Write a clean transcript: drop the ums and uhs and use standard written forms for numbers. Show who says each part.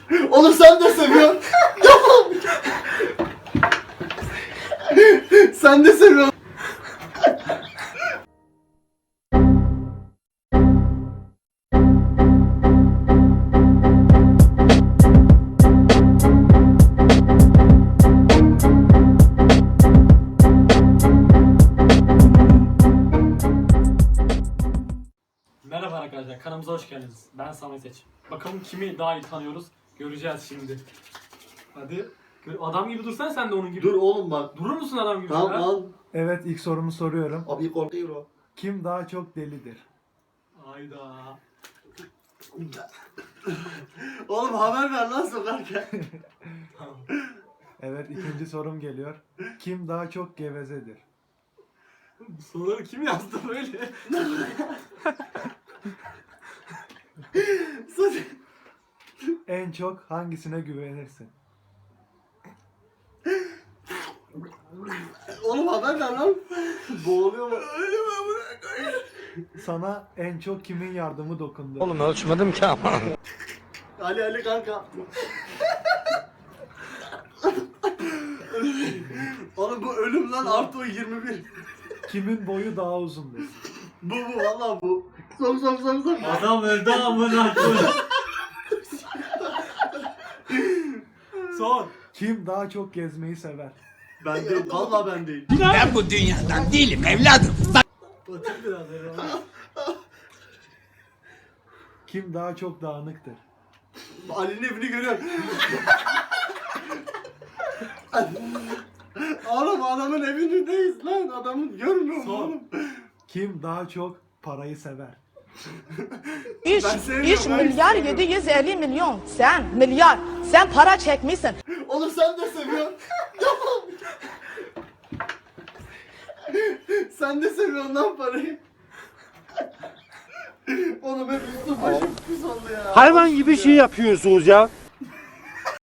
Speaker 1: Oğlum sen de seviyorsun. Sen de seviyorsun.
Speaker 2: Merhaba arkadaşlar, kanalımıza hoş geldiniz. Ben Samet Seç. Bakalım kimi daha iyi tanıyoruz, göreceğiz şimdi. Hadi. Adam gibi dursan sen de onun gibi.
Speaker 1: Dur oğlum bak.
Speaker 2: Durur musun adam gibi?
Speaker 1: Tamam
Speaker 2: Ha?
Speaker 1: al.
Speaker 3: Evet, ilk sorumu soruyorum.
Speaker 1: Abi korkuyor o.
Speaker 3: Kim daha çok delidir?
Speaker 2: Hayda.
Speaker 1: Oğlum haber ver lan sokarken.
Speaker 2: Tamam.
Speaker 3: Evet, ikinci sorum geliyor. Kim daha çok gevezedir?
Speaker 2: Bu soruları kim yazdı böyle?
Speaker 3: En çok hangisine güvenirsin?
Speaker 1: Oğlum haber ver lan. Boğuluyor mu?
Speaker 3: Sana en çok kimin yardımı dokundu?
Speaker 4: Oğlum ölçmedim ki ama.
Speaker 1: Ali kanka. Oğlum bu ölüm lan artı o 21.
Speaker 3: Kimin boyu daha uzundur?
Speaker 1: Bu valla bu. Sok.
Speaker 2: Adam öldü amına koyayım. Son.
Speaker 3: Kim daha çok gezmeyi sever?
Speaker 1: Ben değil. Valla ben değil.
Speaker 4: Ben bu dünyadan değilim evladım.
Speaker 2: Batır biraz herhalde.
Speaker 3: Kim daha çok dağınıktır?
Speaker 1: Ali'nin evini görüyorum. Oğlum adamın evindeyiz lan. Adamın görmüyor musun
Speaker 2: Son.
Speaker 1: oğlum?
Speaker 3: Kim daha çok parayı sever?
Speaker 5: 3
Speaker 1: Ben sevmiyorum, ben
Speaker 5: milyar
Speaker 1: sevmiyorum.
Speaker 5: 750 milyon. Sen milyar. Sen para çekmişsin.
Speaker 1: Oğlum sen de seviyorsun. Sen de seviyorsun lan parayı. Oğlum hep üstüm başım pis oldu ya.
Speaker 6: Hayvan gibi şey yapıyorsunuz ya.